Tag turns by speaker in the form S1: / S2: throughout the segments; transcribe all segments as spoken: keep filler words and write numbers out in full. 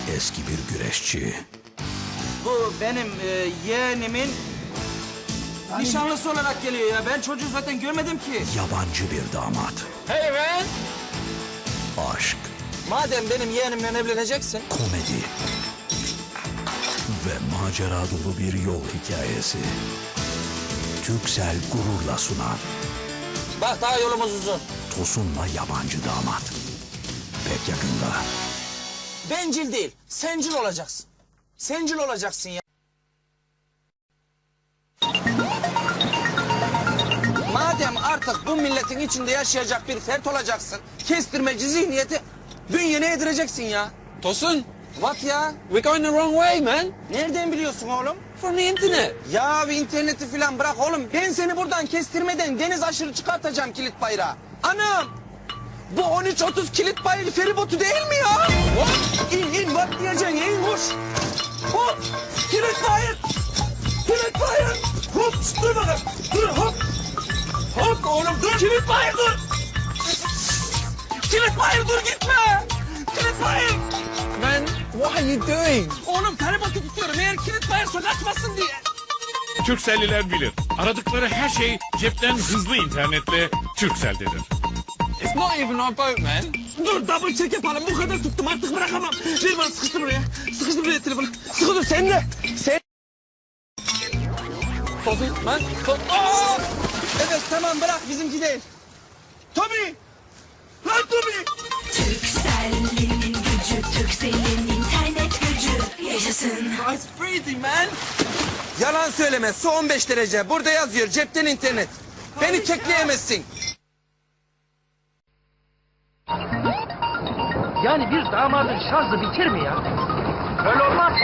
S1: eski bir güreşçi.
S2: Bu benim e, yeğenimin nişanlısı olarak geliyor ya. Ben çocuğu zaten görmedim ki.
S1: Yabancı bir damat.
S2: Hey man!
S1: Aşk,
S2: Madem benim yeğenimle evleneceksin.
S1: komedi ve macera dolu bir yol hikayesi. Turkcell gururla sunar.
S2: Bak daha yolumuz uzun.
S1: Tosun'la yabancı damat. Pek yakında.
S2: Bencil değil, sencil olacaksın. Sencil olacaksın ya. Madem artık bu milletin içinde yaşayacak bir fert olacaksın, kestirmeci zihniyeti bünyene yedireceksin ya.
S3: Tosun,
S2: What ya?
S3: we're going the wrong way, man.
S2: Nereden biliyorsun oğlum?
S3: From the internet.
S2: Ya interneti falan bırak oğlum. Ben seni buradan kestirmeden deniz aşırı çıkartacağım kilit bayrağı. Anam! Bu on üç otuz kilit bayrağı feribotu değil mi ya? Hop! İn in bak diyeceksin in koş. Hop! Kilit bayrağı! Kilit bayrağı! Hop! Dur bakalım. Dur hop! Hop oğlum dur! Kilit bayrağı dur! Kilit bayrağı dur gitme! Kilit bayrağı!
S3: Man, what are you doing?
S2: Oğlum feribotu tutuyorum eğer kilit bayrağı kaçmasın diye.
S4: Turkcelliler bilir. Aradıkları her şey cepten hızlı internetle Turkcell'dedir.
S3: It's not even our boat, man.
S2: Dur double check yapalım. Bu kadar tuttum artık bırakamam. Ver bana sıkıştır buraya. Sıkıştır buraya telefonu. Sıkı dur sen de. Sen...
S3: Tosun, man. To
S2: Aa! Evet tamam bırak bizimki değil. Tommy! Lan Tommy!
S5: Turkcell'in gücü, Turkcell'in internet gücü yaşasın.
S2: It's freezing man. Yalan söyleme. Su on beş derece. Burada yazıyor cepten internet. Beni kekleyemezsin.
S6: Yani bir damadın şarjı bitir mi ya? Öyle olmaz.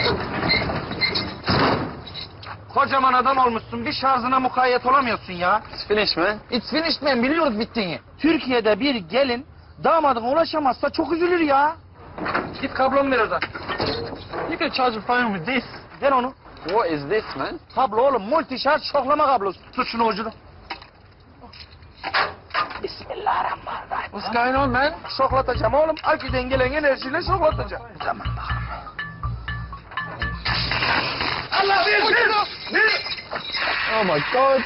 S6: Kocaman adam olmuşsun, bir şarjına mukayyet olamıyorsun ya.
S3: It's finished, man.
S6: It's finished man, biliyoruz bittiğini. Türkiye'de bir gelin damadına ulaşamazsa çok üzülür ya. Git kablomu ver oradan.
S3: You can charge your phone with this.
S6: Ver onu.
S3: What is this, man?
S6: Kablo oğlum, multi şarj şoklama kablosu. Tut şunu ucunu. Bismillahirrahmanirrahim.
S3: What's going on, man?
S6: Şoklatacağım oğlum, aküden gelen enerjiyle şoklatacağım. Tamam bakalım. Allah ver, ver, ver.
S3: Oh my God.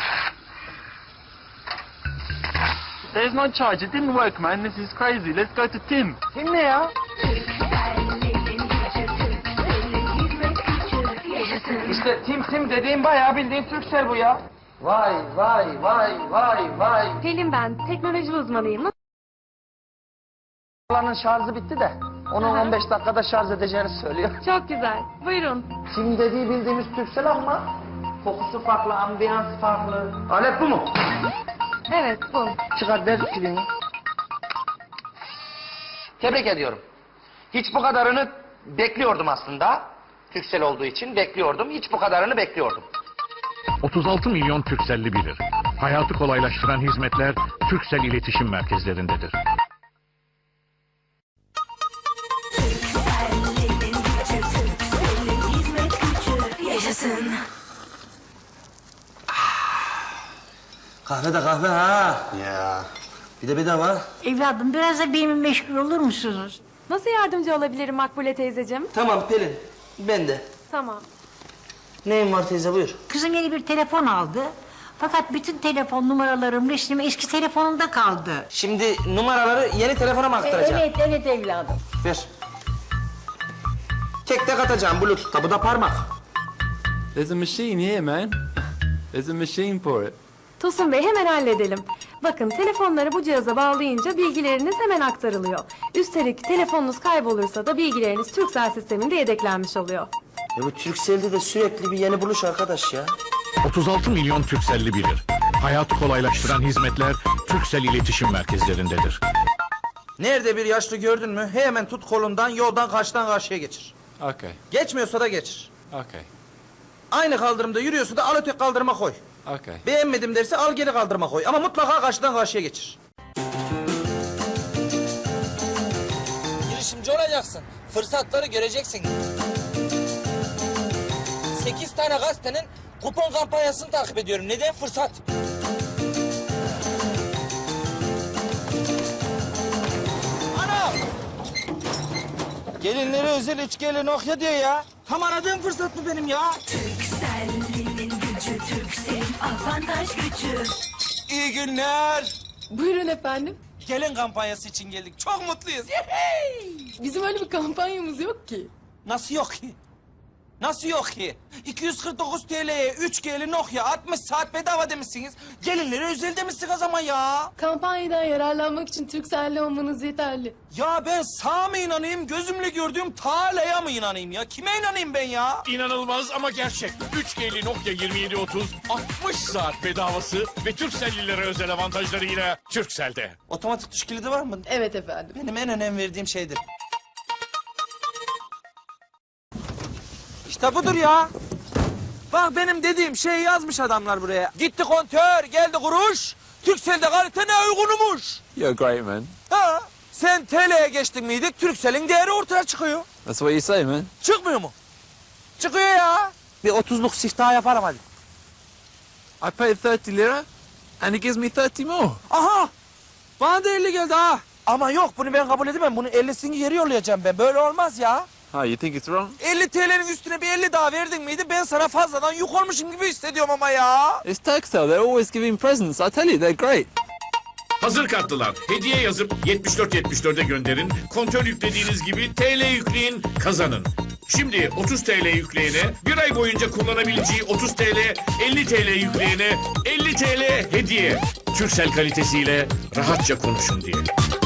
S3: There's no charge. It didn't work, man. This is crazy. Let's go to Tim.
S6: Kim ne ya?
S5: Turkcell'in gücü, Turkcell'in hizmet gücü yaşasın.
S6: İşte Tim Tim dediğim bayağı bildiğin Turkcell bu ya. Vay vay vay vay vay.
S7: Pelin ben, teknoloji uzmanıyım.
S6: Alanın şarjı bitti de onu
S7: Aha.
S6: on beş dakikada şarj edeceğini söylüyor.
S7: Çok güzel. Buyurun.
S6: Tim dediği bildiğimiz Turkcell ama kokusu farklı, ambiyans farklı. Alet bu mu?
S7: Evet, bu.
S6: Çıkar ver pilini. Tebrik ediyorum. Hiç bu kadarını bekliyordum aslında. Turkcell olduğu için bekliyordum. Hiç bu kadarını bekliyordum.
S4: otuz altı milyon Turkcelli bilir. Hayatı kolaylaştıran hizmetler Turkcell iletişim merkezlerindedir.
S5: Turkcell'in gücü, Turkcell'in hizmet gücü yaşasın.
S2: Kahve de kahve ha. Ya. Bir de bedava.
S8: Evladım biraz da benimle meşgul olur musunuz?
S7: Nasıl yardımcı olabilirim Makbule teyzeciğim?
S2: Tamam Pelin. Ben de.
S7: Tamam.
S2: Neyin var teyze buyur.
S8: Kızım yeni bir telefon aldı. Fakat bütün telefon numaralarım, resmim eski telefonunda kaldı.
S2: Şimdi numaraları yeni telefona mı aktaracağım?
S8: Evet, evet evladım.
S2: Ver. Tek tek atacağım Bluetooth'ta. Bu da parmak.
S3: There's a machine here, man. There's a machine for it.
S7: Tosun Bey hemen halledelim. Bakın telefonları bu cihaza bağlayınca bilgileriniz hemen aktarılıyor. Üstelik telefonunuz kaybolursa da bilgileriniz Turkcell sisteminde yedeklenmiş oluyor.
S2: Ya bu Turkcell'de de sürekli bir yeni buluş arkadaş ya.
S4: otuz altı milyon Turkcelli bilir. Hayatı kolaylaştıran hizmetler Turkcell iletişim merkezlerindedir.
S2: Nerede bir yaşlı gördün mü hemen tut kolundan yoldan karşıdan karşıya geçir.
S3: Okay.
S2: Geçmiyorsa da geçir.
S3: Okay.
S2: Aynı kaldırımda yürüyorsa da al öteki kaldırıma koy.
S3: Okay.
S2: Beğenmedim derse al geri kaldırıma koy. Ama mutlaka karşıdan karşıya geçir. Girişimci olacaksın. Fırsatları göreceksin. Sekiz tane gazetenin kupon kampanyasını takip ediyorum. Neden? Fırsat. Ana! Gelinlere özel üç G'li Nokia diyor ya. Tam aradığım fırsat bu benim ya.
S5: Turkcell'in gücü, Turkcell'in avantaj gücü.
S2: İyi günler.
S9: Buyurun efendim.
S2: Gelin kampanyası için geldik. Çok mutluyuz.
S9: Bizim öyle bir kampanyamız yok ki.
S2: Nasıl yok ki? Nasıl yok ki? iki yüz kırk dokuz TL'ye üç G'li Nokia altmış saat bedava demişsiniz. Gelinlere özel demişsiniz o zaman ya.
S9: Kampanyadan yararlanmak için Turkcell'li olmanız yeterli.
S2: Ya ben sağa mı inanayım, gözümle gördüğüm Tala'ya mı inanayım ya? Kime inanayım ben ya?
S4: İnanılmaz ama gerçek. üç G'li Nokia yirmi yedi otuz altmış saat bedavası ve Turkcellilere özel avantajlarıyla Turkcell'de.
S2: Otomatik tuş kilidi var mı?
S9: Evet efendim.
S2: Benim en önem verdiğim şeydir. İşte budur ya. Bak benim dediğim şeyi yazmış adamlar buraya. Gitti kontör, geldi kuruş. Turkcell'de kalite ne uygunumuş.
S10: You're great, man.
S2: Ha, sen T L'ye geçtin miydi? Turkcell'in değeri ortaya çıkıyor.
S10: That's what you say, man.
S2: Çıkmıyor mu? Çıkıyor ya. Bir otuzluk siftah yaparım hadi.
S10: I paid thirty lira, and he gives me thirty more.
S2: Aha! Bana da elli geldi ha. Ama yok bunu ben kabul edemem. Bunun ellisini geri yollayacağım ben. Böyle olmaz ya.
S10: Oh, you think it's wrong?
S2: elli T L'nin üstüne bir elli daha verdin miydi? Ben sana fazladan yük olmuşum gibi hissediyorum ama ya.
S10: It's Turkcell. They're always giving presents. I tell you, they're great.
S4: Hazır kartlılar. Hediye yazıp yetmiş dört yetmiş dört'e gönderin. Kontör yüklediğiniz gibi T L yükleyin, kazanın. Şimdi otuz T L yükleyene, bir ay boyunca kullanabileceği otuz T L, elli T L yükleyene, elli T L hediye. Turkcell kalitesiyle rahatça konuşun diye.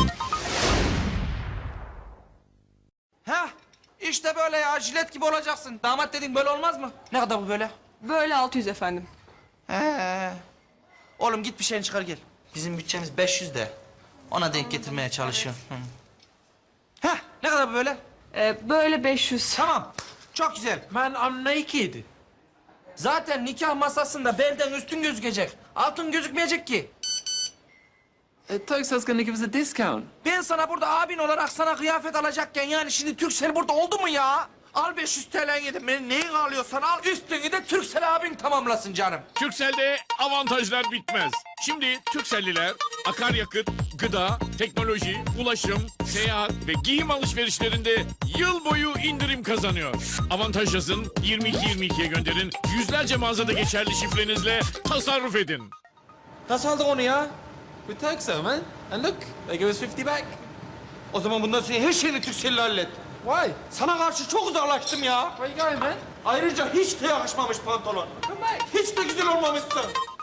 S2: Heh, işte böyle ya. Jilet gibi olacaksın. Damat dedin böyle olmaz mı? Ne kadar bu böyle?
S9: Böyle altı yüz efendim.
S2: He. Oğlum git bir şeyini çıkar gel. Bizim bütçemiz beş yüz de. Ona denk getirmeye çalışıyorum. Hı. Heh, ne kadar bu böyle?
S9: Ee, böyle beş yüz.
S2: Tamam. Çok güzel.
S10: Man, I'm naked.
S2: Zaten nikah masasında belden üstün gözükecek. Altın gözükmeyecek ki.
S10: Uh, Turkcell's gonna give us a discount.
S2: Ben sana burada abin olarak sana kıyafet alacakken yani şimdi Turkcell burada oldu mu ya? Al beş yüz T L'ni yedim. Benim neyin alıyorsan al. Üstünü de Turkcell abin tamamlasın canım.
S4: Turkcell'de avantajlar bitmez. Şimdi Turkcellliler akaryakıt, gıda, teknoloji, ulaşım, seyahat ve giyim alışverişlerinde yıl boyu indirim kazanıyor. Avantaj yazın, yirmi iki yirmi iki'ye gönderin. Yüzlerce mağazada geçerli şifrenizle tasarruf edin.
S2: Nasıl aldık onu ya?
S10: With Turkcell, man. And look, they give us fifty back.
S2: O zaman bundan sonra her şeyini Turkcell'le hallet.
S10: Why?
S2: Sana karşı çok uzaklaştım ya.
S10: Where you going, man?
S2: Ayrıca hiç de yakışmamış pantolon. Hiç de güzel olmamışsın.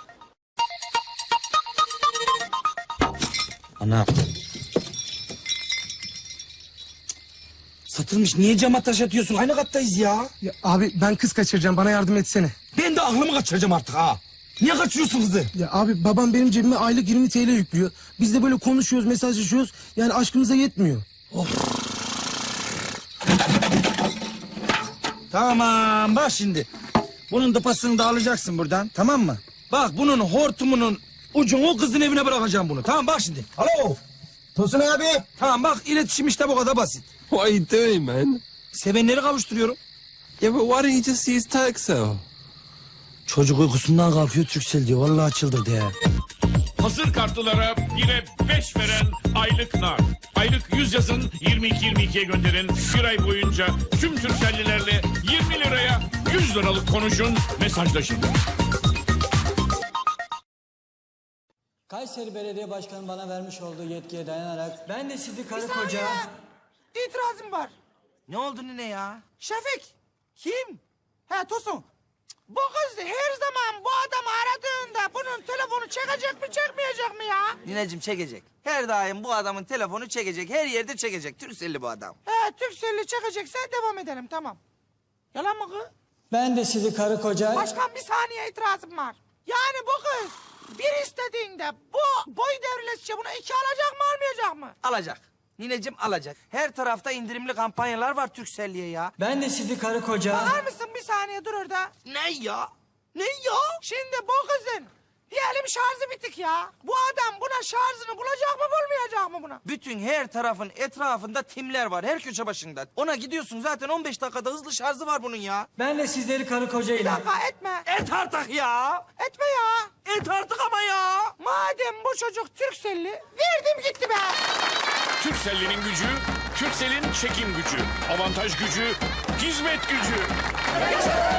S2: Ana. Satılmış. Niye cama taş atıyorsun? Aynı kattayız ya.
S11: Ya abi ben kız kaçıracağım, bana yardım etsene.
S2: Ben de aklımı kaçıracağım artık ha. Niye kaçırıyorsun kızı?
S11: Ya abi babam benim cebime aylık yirmi T L yüklüyor. Biz de böyle konuşuyoruz, mesajlaşıyoruz. Yani aşkımıza yetmiyor.
S2: Tamam bak şimdi. Bunun dıpasını da alacaksın buradan, tamam mı? Bak bunun hortumunun ucunu kızın evine bırakacağım bunu. Tamam bak şimdi. Alo. Tosun abi. Tamam bak iletişim işte bu kadar basit.
S10: What are you doing, man?
S2: Sevenleri kavuşturuyorum.
S10: Yeah, but why don't you just use Turkcell?
S2: Çocuk uykusundan kalkıyor Turkcell diyor. Vallahi çıldırdı ya.
S4: Hazır kartlılara bire beş veren aylık nar. Aylık yüz yazın, yirmi iki yirmi iki'ye gönderin. Bir ay boyunca tüm Turkcelllilerle yirmi liraya yüz liralık konuşun, mesajlaşın.
S12: Kayseri Belediye Başkanı bana vermiş olduğu yetkiye dayanarak ben de sizi karı koca...
S2: İtirazım var. Ne oldu nene ya? Şefik. Kim? He Tosun. Bu kız her zaman bu adamı aradığında bunun telefonu çekecek mi çekmeyecek mi ya? Nineciğim çekecek. Her daim bu adamın telefonu çekecek. Her yerde çekecek. Turkcell'li bu adam. He Turkcell'li çekecekse devam edelim tamam. Yalan mı kız?
S12: Ben de sizi karı koca...
S2: Başkan bir saniye itirazım var. Yani bu kız bir istediğinde bu boy devrilesice bunu iki alacak mı almayacak mı? Alacak. Nineciğim alacak. Her tarafta indirimli kampanyalar var Turkcell'liye ya.
S12: Ben de sizi karı koca...
S2: Bakar mısın bir saniye dur orada. Ne ya? Ne ya? Şimdi bu kızın diyelim şarjı bitik ya. Bu adam buna şarjını bulacak mı bulmayacak mı buna? Bütün her tarafın etrafında timler var her köşe başında. Ona gidiyorsun zaten on beş dakikada hızlı şarjı var bunun ya.
S12: Ben de sizleri karı koca
S2: Bir
S12: ile...
S2: dakika etme. Et artık ya. Etme ya. Et artık ama ya. Madem bu çocuk Turkcell'li verdim gitti be.
S4: Turkcell'in gücü, Turkcell'in çekim gücü, avantaj gücü, hizmet gücü.